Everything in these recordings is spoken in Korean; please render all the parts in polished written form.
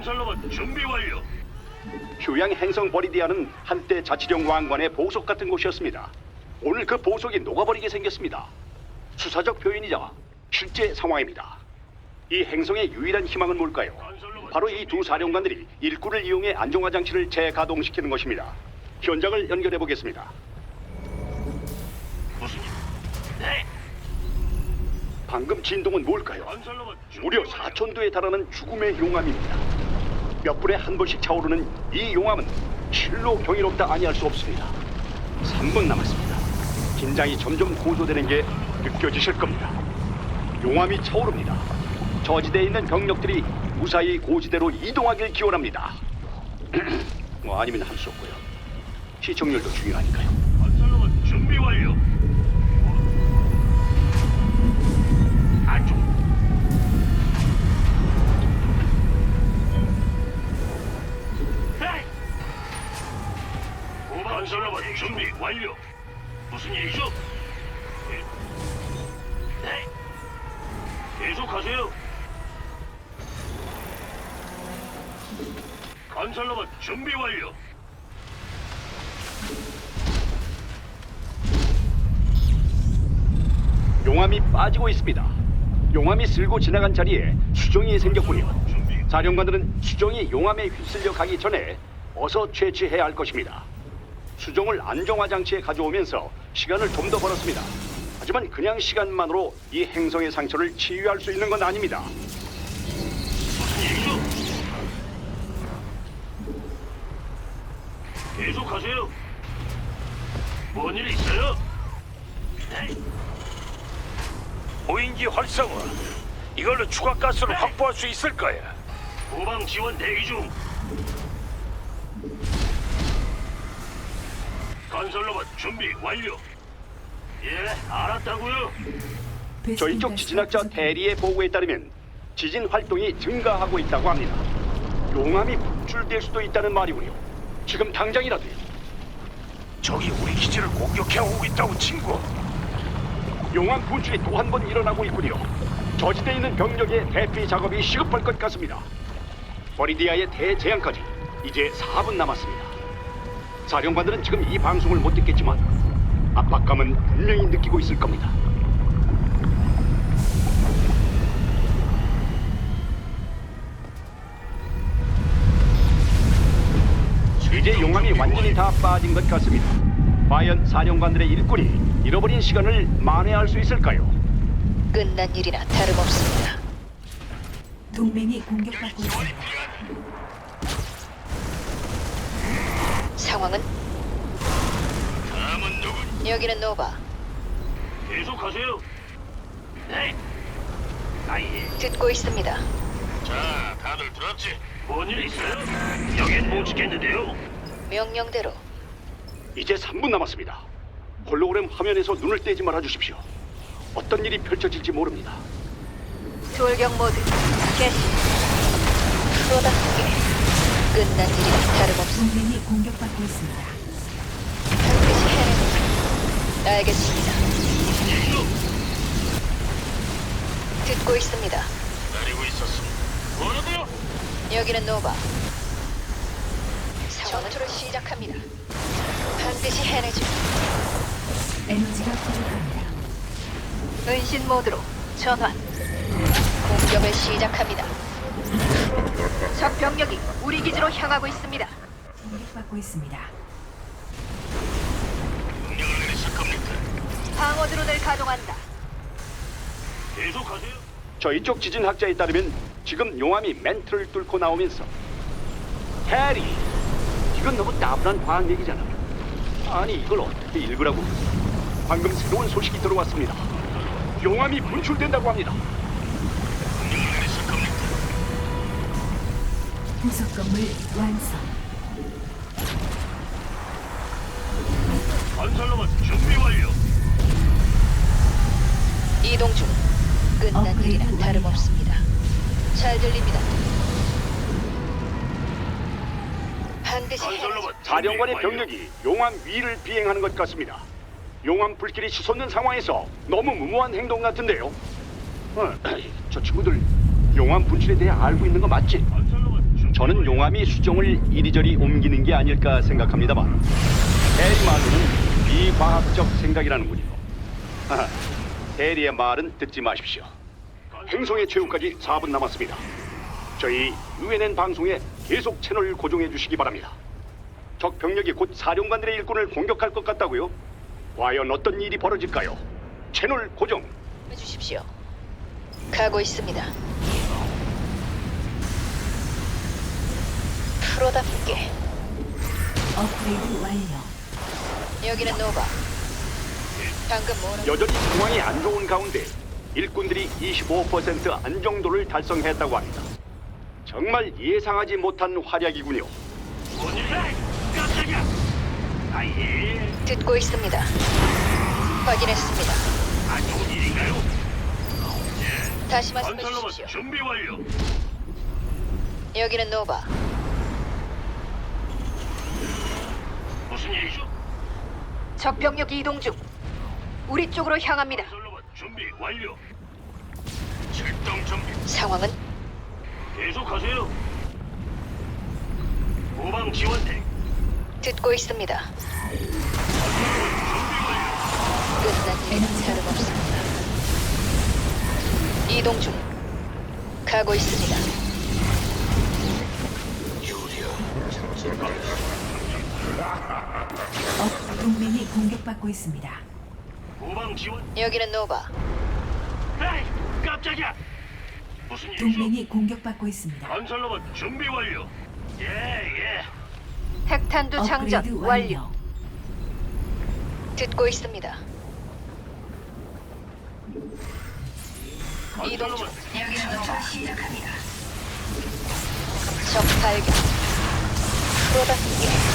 건설로봇 준비 완료. 휴양 행성 버리디아는 한때 자치령 왕관의 보석 같은 곳이었습니다. 오늘 그 보석이 녹아버리게 생겼습니다. 수사적 표현이자 실제 상황입니다. 이 행성의 유일한 희망은 뭘까요? 바로 이 두 사령관들이 일꾼을 이용해 안정화 장치를 재가동시키는 것입니다. 현장을 연결해 보겠습니다. 무슨 일? 네. 방금 진동은 뭘까요? 건설로봇 준비 무려 완료. 4,000도에 달하는 죽음의 용암입니다. 몇 분에 한 번씩 차오르는 이 용암은 실로 경이롭다 아니할 수 없습니다. 3분 남았습니다. 긴장이 점점 고조되는 게 느껴지실 겁니다. 용암이 차오릅니다. 저지대에 있는 병력들이 무사히 고지대로 이동하길 기원합니다. 아니면 할 수 없고요. 시청률도 중요하니까요. 건설로봇 준비 완료. 안쪽. 네. 건설로봇 준비 완료. 무슨 일이죠? 네. 계속하세요. 건설로봇 준비 완료. 용암이 빠지고 있습니다. 용암이 쓸고 지나간 자리에 수정이 생겼군요. 사령관들은 수정이 용암에 휩쓸려 가기 전에 어서 채취해야 할 것입니다. 수정을 안정화 장치에 가져오면서 시간을 좀 더 벌었습니다. 하지만 그냥 시간만으로 이 행성의 상처를 치유할 수 있는 건 아닙니다. 무슨 일이죠? 계속하세요. 뭔 일 있어요? 네. 무인기 활성화. 이걸로 추가 가스를 확보할 수 있을 거야. 후방 지원 대기 중. 건설로봇 준비 완료. 예, 알았다고요. 저희 쪽 지진학자 대리의 보고에 따르면 지진 활동이 증가하고 있다고 합니다. 용암이 분출될 수도 있다는 말이군요. 지금 당장이라도요. 적이 우리 기지를 공격해 오고 있다고 친구. 용암 분출이 또 한 번 일어나고 있군요. 저지대에 있는 병력의 대피 작업이 시급할 것 같습니다. 버리디아의 대재앙까지 이제 4분 남았습니다. 사령관들은 지금 이 방송을 못 듣겠지만 압박감은 분명히 느끼고 있을 겁니다. 이제 용암이 완전히 다 빠진 것 같습니다. 과연 사령관들의 일꾼이 잃어버린 시간을 만회할 수 있을까요? 끝난 일이나 다름없습니다. 동맹이 공격받고 있습니다. 상황은 다음은 누구? 여기는 노바. 계속하세요. 네. 아예. 듣고 있습니다. 자, 다들 들었지? 뭔 일 있어요? 여긴 못 지켰는데요. 명령대로 이제 3분 남았습니다. 홀로그램 화면에서 눈을 떼지 말아 주십시오. 어떤 일이 펼쳐질지 모릅니다. 돌격 모드 개시. 프로답게 끝난 일이나 다름없습니다. 동맹이 공격받고 있습니다. 반드시 해내는. 알겠습니다. 일로 듣고 있습니다. 기다리고 있었습니다. 뭐라고요? 여기는 노바. 전투를 시작합니다. 반드시 해내죠. 에너지가 부족합니다. 은신 모드로 전환. 공격을 시작합니다. 적 병력이 우리 기지로 향하고 있습니다. 공격받고 있습니다. 명령을 내리실 겁니까? 방어 드론을 가동한다. 계속하세요. 저희 쪽 지진학자에 따르면 지금 용암이 멘트를 뚫고 나오면서 해리, 이건 너무 나분한 과학 얘기잖아. 아니 이걸 어떻게 읽으라고. 방금 새로운 소식이 들어왔습니다. 용암이 분출된다고 합니다. 명령을 내리실 겁니까? 부속 건물 완성. 건설로봇 준비 완료. 이동 중. 끝난 업그레이드 일이나 완료. 다름없습니다. 잘 들립니다. 반드시 건설로봇 사령관의 준비 완료. 병력이 용암 위를 비행하는 것 같습니다. 용암 불길이 치솟는 상황에서 너무 무모한 행동 같은데요. 저 친구들 용암 분출에 대해 알고 있는 거 맞지? 건설로봇 준비 저는 용암이 수정을 이리저리 옮기는 게 아닐까 생각합니다만 대리 말로는 비과학적 생각이라는군요. 하하, 대리의 말은 듣지 마십시오. 행성의 최후까지 4분 남았습니다. 저희 UNN 방송에 계속 채널 고정해 주시기 바랍니다. 적 병력이 곧 사령관들의 일꾼을 공격할 것 같다고요? 과연 어떤 일이 벌어질까요? 채널 고정. 해주십시오. 가고 있습니다. 프로답게. 업그레이드 완료. 여기는 노바. 방금 뭐라? 여전히 상황이 안 좋은 가운데 일꾼들이 25% 안정도를 달성했다고 합니다. 정말 예상하지 못한 활약이군요. 뭔 일이야? 깜짝이야. 아예. 듣고 있습니다. 확인했습니다. 안 좋은 일인가요? 다시 말씀해 건설로봇 주십시오. 준비 완료. 여기는 노바. 무슨 일이죠? 적 병력 이동 중. 우리 쪽으로 향합니다. 건설로봇 준비 완료. 출동 준비. 상황은 계속하세요. 후방 지원대. 듣고 있습니다. 건설로봇 준비 완료. 끝난 일은 다름없습니다. 이동 중. 가고 있습니다. 동맹이 공격받고 있습니다. 후방 지원. 여기는 노바. 에이, 깜짝이야. 무슨 일이죠? 동맹이 공격받고 있습니다. 건설로봇 준비 완료. 예. 핵탄두 장전 업그레이드 완료. 완료. 듣고 있습니다. 이동 중. 건설로봇 적 발견. 프로답게.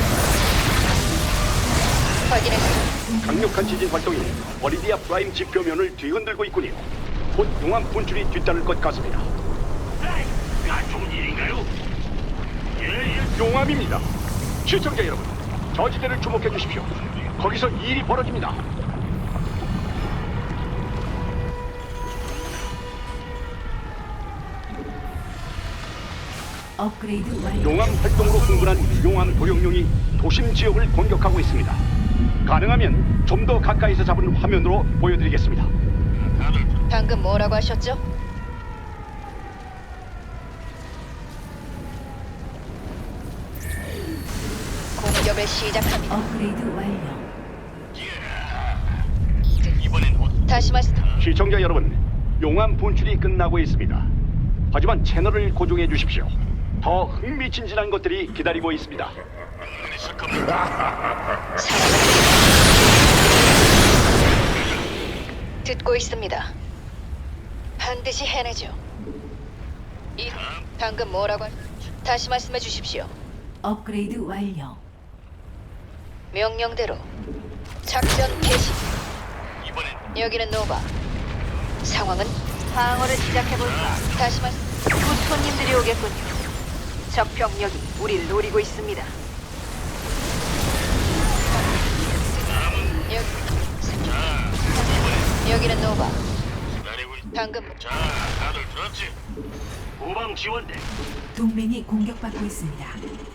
확인했습니다. 강력한 지진 활동이 버리디아 프라임 지표면을 뒤흔들고 있군요. 곧 용암 분출이 뒤따를 것 같습니다. 에이, 안 좋은 일인가요? 예. 용암입니다. 시청자 여러분, 저지대를 주목해 주십시오. 거기서 일이 벌어집니다. 업그레이드 완료. 용암 활동으로 흥분한 용암 도룡룡이 도심 지역을 공격하고 있습니다. 가능하면 좀 더 가까이서 잡은 화면으로 보여드리겠습니다. 다들 방금 뭐라고 하셨죠? 공격을 시작합니다. 업그레이드 완료. 이번엔 어 다시 말씀. 시청자 여러분, 용암 분출이 끝나고 있습니다. 하지만 채널을 고정해 주십시오. 더 흥미진진한 것들이 기다리고 있습니다. 있을 겁니다. 듣고 있습니다. 반드시 해내죠. 방금 뭐라고? 다시 말씀해 주십시오. 업그레이드 완료. 명령대로 작전 개시. 이번엔 여기는 노바. 상황은 방어를 시작해볼까? 다시 말씀. 곧 손님들이 오겠군요. 적 병력이 우리를 노리고 있습니다. 여기는 노바. 기다리고 있. 방금 자, 다들 들었지? 후방 지원대. 동맹이 공격받고 있습니다.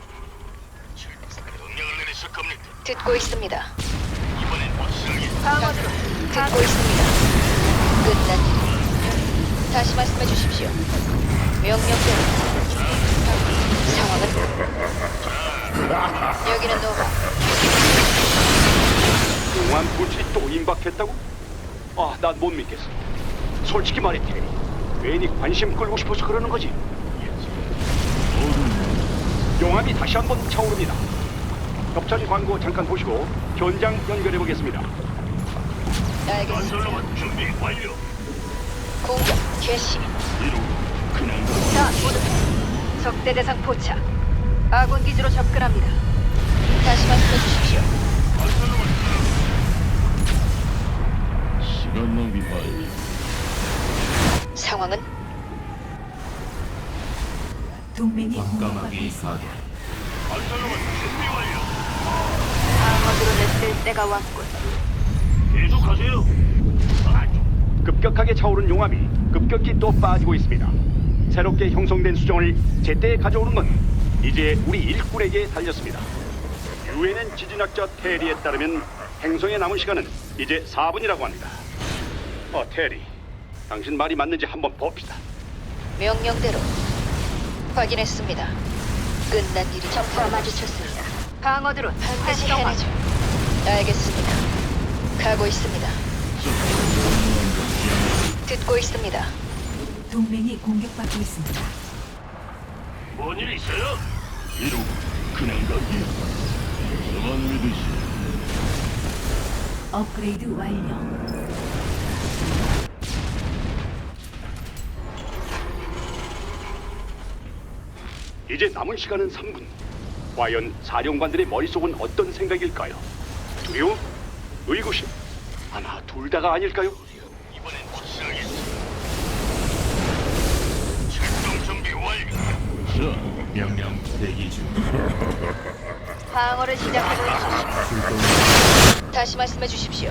명령을 내리실 겁니다. 듣고 있습니다. 이번엔 확실하게. 방어드로 듣고 있습니다. 끝난 일. 다시 말씀해 주십시오. 명령대로 상황은 여기는 노바. 용암 분출이 또 임박했다고? 아, 난 못 믿겠어. 솔직히 말해, 테리. 괜히 관심 끌고 싶어서 그러는 거지. 용암이 다시 한번 차오릅니다. 협찬 광고 잠깐 보시고 현장 연결해 보겠습니다. 알겠습니다. 건설로봇 준비 완료. 공격 개시. 그냥 자, 모두 적대 대상 포착. 아군 기지로 접근합니다. 다시 말씀해 주십시오. 건설로봇 시간 낭비 말기. 상황은 동맹이 공격받고 있습니다. 건설로봇 준비 완료. 방어드로 냈을 때가 왔군. 계속하세요. 아, 급격하게 차오른 용암이 급격히 또 빠지고 있습니다. 새롭게 형성된 수정을 제때 가져오는 건 이제 우리 일꾼에게 달렸습니다. 유엔엔 지진학자 테리에 따르면 행성에 남은 시간은 이제 4분이라고 합니다. 테리, 당신 말이 맞는지 한번 봅시다. 명령대로 확인했습니다. 끝난 일이 적과 마주쳤습니다. 방어드론 반드시 해내죠. 알겠습니다. 가고 있습니다. 듣고 있습니다. 동맹이 공격받고 있습니다. 뭔 일 있어요? 이루 그냥 가기. 저만 믿으시. 업그레이드 완료. 이제 남은 시간은 3분. 과연 사령관들의 머릿속은 어떤 생각일까요? 두려움? 의구심? 아마 둘 다가 아닐까요? 이번엔 확실하겠어. 출동 준비 완료. 자, 명령 대기 중. 방어를 시작해보십시오. 다시 말씀해 주십시오.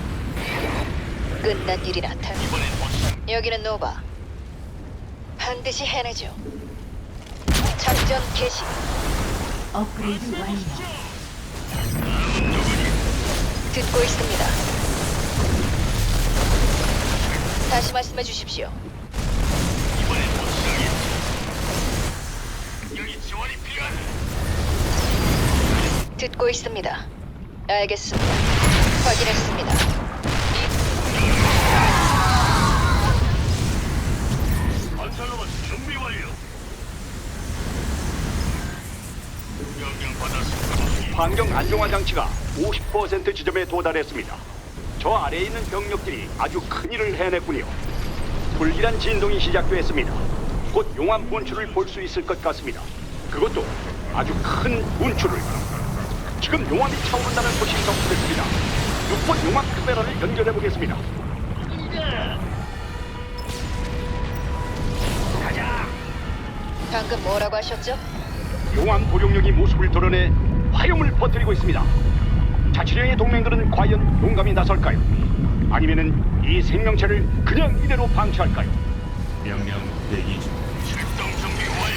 끝난 일이 나타나. 이번엔 확실. 여기는 노바. 반드시 해내죠. 작전 개시. 업그레이드 완료. 듣고 있습니다. 다시 말씀해 주십시오. 이번엔 확실하겠어. 여기 지원이 필요하네. 듣고 있습니다. 알겠습니다. 확인했습니다. 건설로봇 준비 완료. 명령 받았습니다. 환경 안정화 장치가 50% 지점에 도달했습니다. 저 아래에 있는 병력들이 아주 큰 일을 해냈군요. 불길한 진동이 시작됐습니다. 곧 용암 분출을 볼 수 있을 것 같습니다. 그것도 아주 큰 분출을. 지금 용암이 차오른다는 소식이 접수됐습니다. 6번 용암 카메라를 연결해 보겠습니다. 방금 뭐라고 하셨죠? 용암 도룡령이 모습을 드러내 화염을 퍼뜨리고 있습니다. 자치령의 동맹들은 과연 용감히 나설까요? 아니면은 이 생명체를 그냥 이대로 방치할까요? 명령 대기 중. 출동 준비 완료.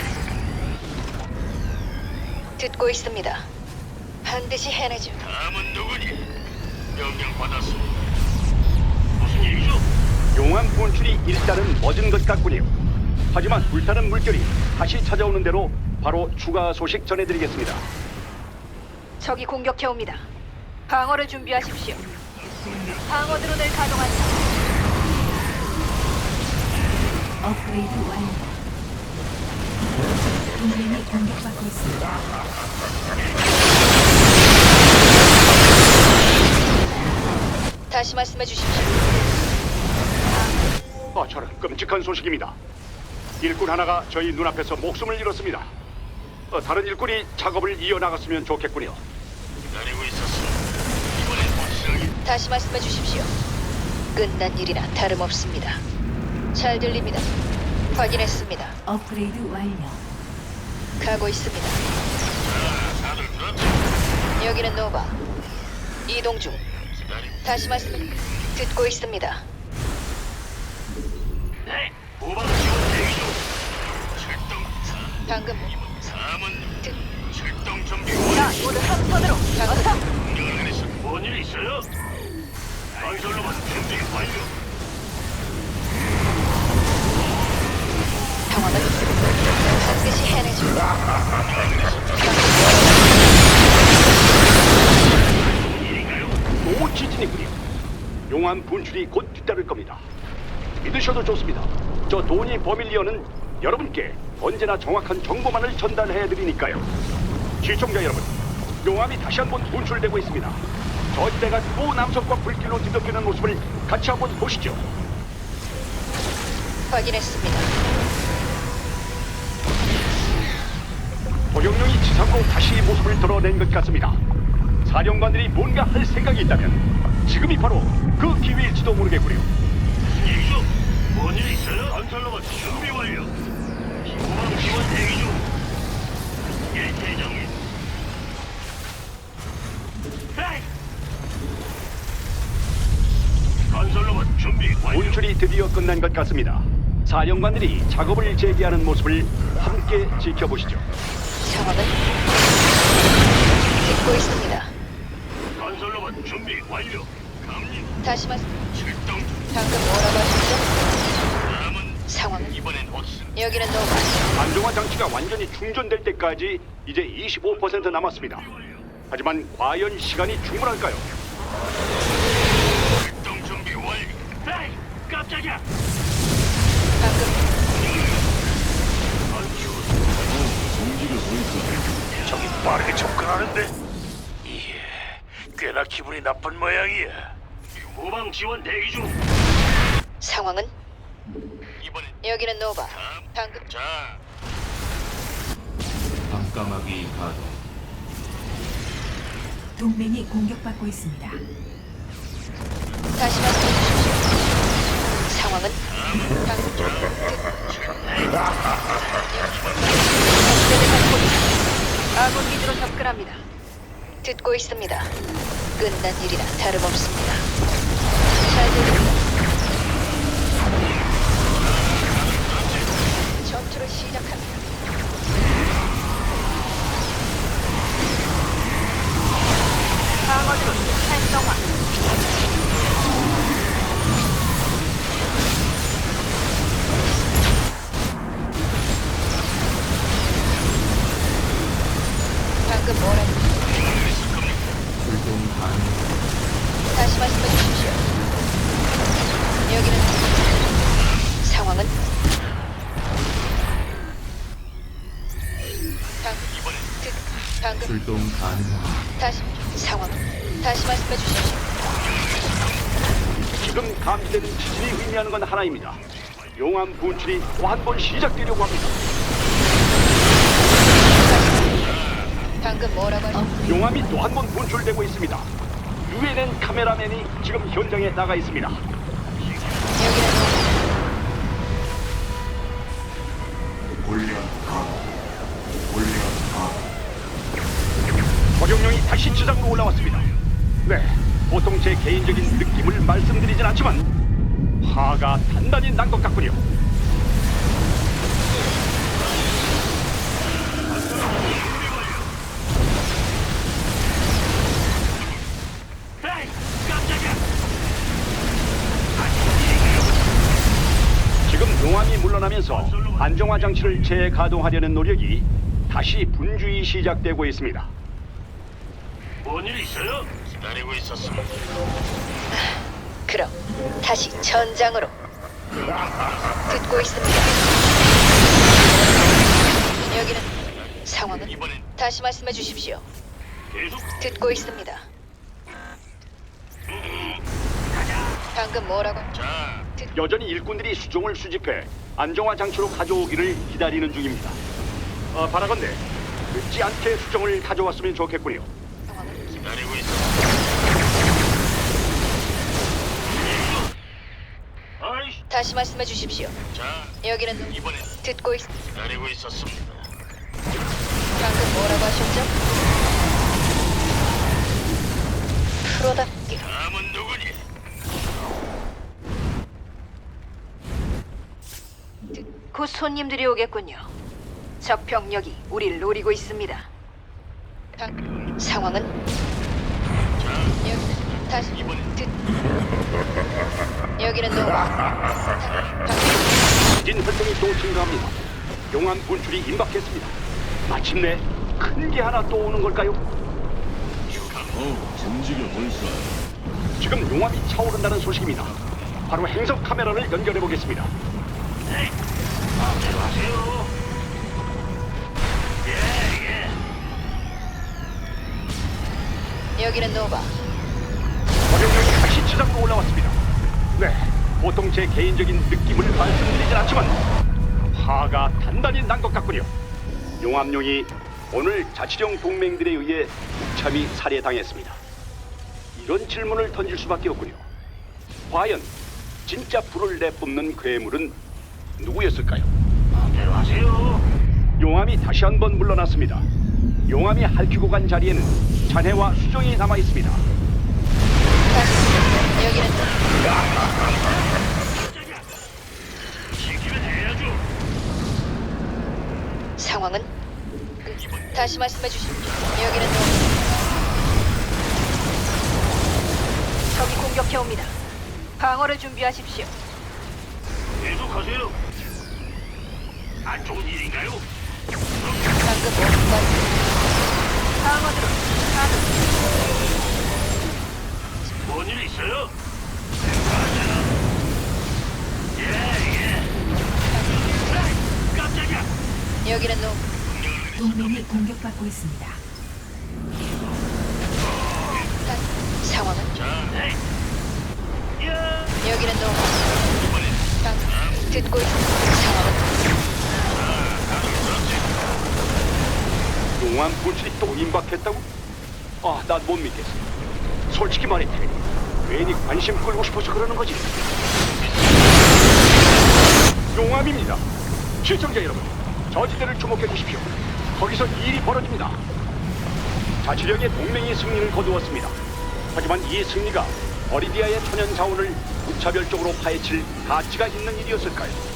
듣고 있습니다. 반드시 해내죠. 다음은 누구니? 명령 받았습니다. 무슨 일이죠? 용암 분출이 일단은 멎은 것 같군요. 하지만 불타는 물결이 다시 찾아오는 대로 바로 추가 소식 전해드리겠습니다. 적이 공격해 옵니다. 방어를 준비하십시오. 방어 드론을 가동한다. 업그레이드 완료. 동맹이 공격받고 있습니다. 다시 말씀해 주십시오. 저런 끔찍한 소식입니다. 일꾼 하나가 저희 눈앞에서 목숨을 잃었습니다. 다른 일꾼이 작업을 이어나갔으면 좋겠군요. 기다리고 있었어. 이번엔 확실하게. 다시 말씀해 주십시오. 끝난 일이나 다름없습니다. 잘 들립니다. 확인했습니다. 업그레이드 완료. 가고 있습니다. 다들 들었지? 여기는 노바. 이동 중. 기다리. 다시 말씀해. 듣고 있습니다. 네. 후방 지원 대기 중. 출동. 방금 다음은 듣. 출동 준비 자, 완료. 모두 한 손으로. 어서. 공격을 내리시. 뭔일 있어요? 건설로봇 준비 완료. 상황은 반드시 해내죠. 또 지진이군요. 용암 분출이 곧 뒤따를 겁니다. 믿으셔도 좋습니다. 저 도니 버밀리언은 여러분께 언제나 정확한 정보만을 전달해드리니까요. 시청자 여러분, 용암이 다시 한번 분출되고 있습니다. 저 때가 또 남성과 불길로 뒤덮이는 모습을 같이 한번 보시죠. 확인했습니다. 도룡령이 지상으로 다시 모습을 드러낸 것 같습니다. 사령관들이 뭔가 할 생각이 있다면 지금이 바로 그 기회일지도 모르겠군요. 무슨 일이죠? 뭔일 있어요? 건설로봇 준비 완료. 후방 지원 대기 중. 예, 대장님. 에이! 건설로봇 준비 완료. 분출이 드디어 끝난 것 같습니다. 사령관들이 작업을 재개하는 모습을 함께 지켜보시죠. 상황은 듣고 있습니다. 건설로봇 준비 완료. 갑니다. 다시 말씀. 출동. 방금 뭐라고 하셨죠? 다음은 상황은 이번엔 헛슨. 여기는 노바. 안정화 장치가 완전히 충전될 때까지 이제 25% 남았습니다. 하지만 과연 시간이 충분할까요? 출동 준비 완료. 에이, 깜짝이야. 방금 저기 빠르게 접근하는데. 이게 꽤나 기분이 나쁜 모양이야. 후방 지원 대기 중. 상황은 이번엔 여기는 노바. 방금 자, 밤까마귀 가동. 동맹이 공격받고 있습니다. 다시 말씀해 주십시오. 상황은 방금 아군 기지로 접근합니다. 듣고 있습니다. 끝난 일이나 다름없습니다. 잘 들립니다. 전투를 시작합니다. 방어드론 활성화. 방금 뭐라고? 출동 가능. 다시 말씀해 주십시오. 여기는 상황은 방금 출동 가능. 다시 상황은 다시 말씀해 주십시오. 지금 감지되는 지진이 의미하는 건 하나입니다. 용암 분출이 또 한 번 시작되려고 합니다. 방금 뭐라고 하셨죠? 용암이 또 한 번 분출되고 있습니다. UNN 카메라맨이 지금 현장에 나가 있습니다. 여기는 올려 가동. 올려 가동. 적용령이 다시 지상으로 올라왔습니다. 네, 보통 제 개인적인 느낌을 말씀드리진 않지만 화가 단단히 난 것 같군요. 에이, 깜짝이야. 지금 용암이 물러나면서 안정화 장치를 재가동하려는 노력이 다시 분주히 시작되고 있습니다. 뭔일 있어요? 기다리고 있었습니다. 그럼 다시 전장으로 듣고 있습니다. 여기는 상황은 이번엔 다시 말씀해 주십시오. 계속 듣고 있습니다. 방금 뭐라고? 자, 여전히 일꾼들이 수종을 수집해 안정화 장치로 가져오기를 기다리는 중입니다. 바라건대 늦지 않게 수종을 가져왔으면 좋겠군요. 상황은 기다리고 있었습니다. 아이씨, 다시 말씀해 주십시오. 자, 여기는 이번엔 듣고 기다리고 있었습니다. 방금 뭐라고 하셨죠? 프로답게 다음은 누구니? 곧 손님들이 오겠군요. 적 병력이 우리를 노리고 있습니다. 상황은 여기 다시 여기는 지진 활동이 또 증가합니다. 용암 분출이 임박했습니다. 마침내 큰 게 하나 또 오는 걸까요? 움직여 볼까? 지금 용암이 차오른다는 소식입니다. 바로 행성 카메라를 연결해 보겠습니다. 마음대로 하세요. 예, 예. 여기는 노바. 적용령이 다시 지상으로 올라왔습니다. 네, 보통 제 개인적인 느낌을 말씀드리진 않지만 화가 단단히 난 것 같군요. 용암용이 오늘 자치령 동맹들에 의해 무참히 살해당했습니다. 이런 질문을 던질 수밖에 없군요. 과연 진짜 불을 내뿜는 괴물은 누구였을까요? 마음대로 하세요. 용암이 다시 한번 물러났습니다. 용암이 핥히고 간 자리에는 잔해와 수정이 남아 있습니다. 다시 여기는 깜짝이야. 시키면 상황은? 다시 말씀해 주십시오. 여기는 노. 적이 공격해 옵니다. 방어를 준비하십시오. 계속하세요. 안 좋은 일인가요? 방금 뭐 방어드로 가동. 뭔일 있어요? 맞아. 예. 에이, 깜짝이야. 여기는 노. 동맹이 공격받고 있습니다. 상황은? 자, 에이. 야. 여기는 노. 방금 듣고 있습니다. 상황은? 용암 불길이 또 임박했다고? 아, 난 못 믿겠어. 솔직히 말해, 테리. 괜히 관심 끌고 싶어서 그러는 거지. 용암입니다. 시청자 여러분, 저지대를 주목해 주십시오. 거기서 일이 벌어집니다. 자치령의 동맹이 승리를 거두었습니다. 하지만 이 승리가 버리디아의 천연 자원을 무차별적으로 파헤칠 가치가 있는 일이었을까요?